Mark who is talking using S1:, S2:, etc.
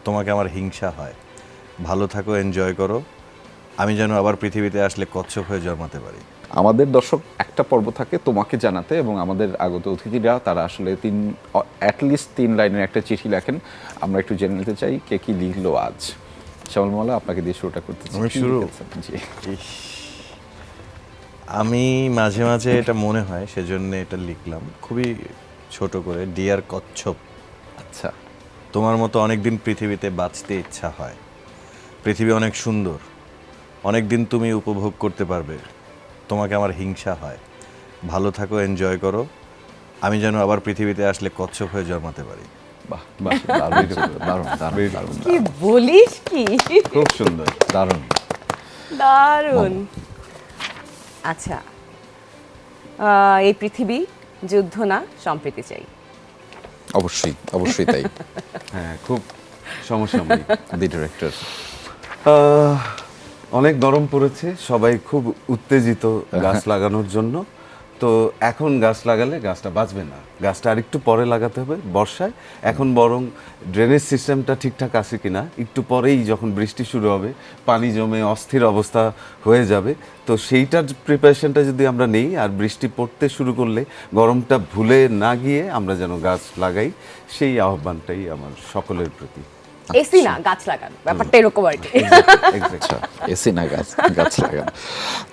S1: তোমাকে আমার হিংসা হয়। ভালো থাকো, এনজয় করো। আমি যেন আবার পৃথিবীতে আসলে কচ্ছপ হয়ে জন্মাতে পারি।
S2: আমাদের দর্শক একটা পর্ব থাকে তোমাকে জানাতে, এবং আমাদের আগত অতিথিরা তারা আসলে অ্যাটলিস্ট 3 লাইনের একটা চিঠি লেখেন। আমরা একটু জেনে নিতে চাই কে কি লিখলো আজ। শ্যামল মালা, আপনাকে দিয়ে শুরুটা করতেছি।
S1: আমি
S2: কি
S1: শুরু?
S2: লিখেছেন? জি।
S1: ইস, আমি মাঝে মাঝে এটা মনে হয়, সেজন্য এটা লিখলাম খুবই ছোট করে। ডিয়ার কচ্ছপ,
S2: আচ্ছা।
S1: তোমার মতো অনেক দিন পৃথিবীতে বাঁচতে ইচ্ছা হয়। পৃথিবী অনেক সুন্দর, অনেক দিন তুমি উপভোগ করতে পারবে। তোমাকে আমার হিংসা হয়। ভালো থাকো, এনজয় করো। আমি যেন আবার পৃথিবীতে আসলে কচ্ছপ হয়ে জন্মাতে পারি।
S2: বাহ বাহ, দারুণ দারুণ দারুণ দারুণ
S3: কি বলিস কি
S2: খুব সুন্দর, দারুণ।
S3: দারুণ। আচ্ছা, এই পৃথিবী যুদ্ধ না সম্প্রীতি চাই।
S2: অবশ্যই অবশ্যই তাই।
S4: হ্যাঁ, খুব সমসাময়িক।
S2: The director.
S4: অনেক গরম পড়েছে, সবাই খুব উত্তেজিত গাছ লাগানোর জন্য। তো এখন গাছ লাগালে গাছটা বাঁচবে না, গাছটা আরেকটু পরে লাগাতে হবে বর্ষায়। এখন বরং ড্রেনেজ সিস্টেমটা ঠিকঠাক আছে কিনা, একটু পরেই যখন বৃষ্টি শুরু হবে পানি জমে অস্থির অবস্থা হয়ে যাবে। তো সেইটার প্রিপারেশনটা যদি আমরা নেই, আর বৃষ্টি পড়তে শুরু করলে গরমটা ভুলে না গিয়ে আমরা যেন গাছ লাগাই, সেই আহ্বানটাই আমার সকলের প্রতি।
S3: এসি না গাছ লাগান, ব্যাপারটা এরকম আর কি।
S4: Exactly.
S2: আচ্ছা, এসি না গাছ গাছ লাগান।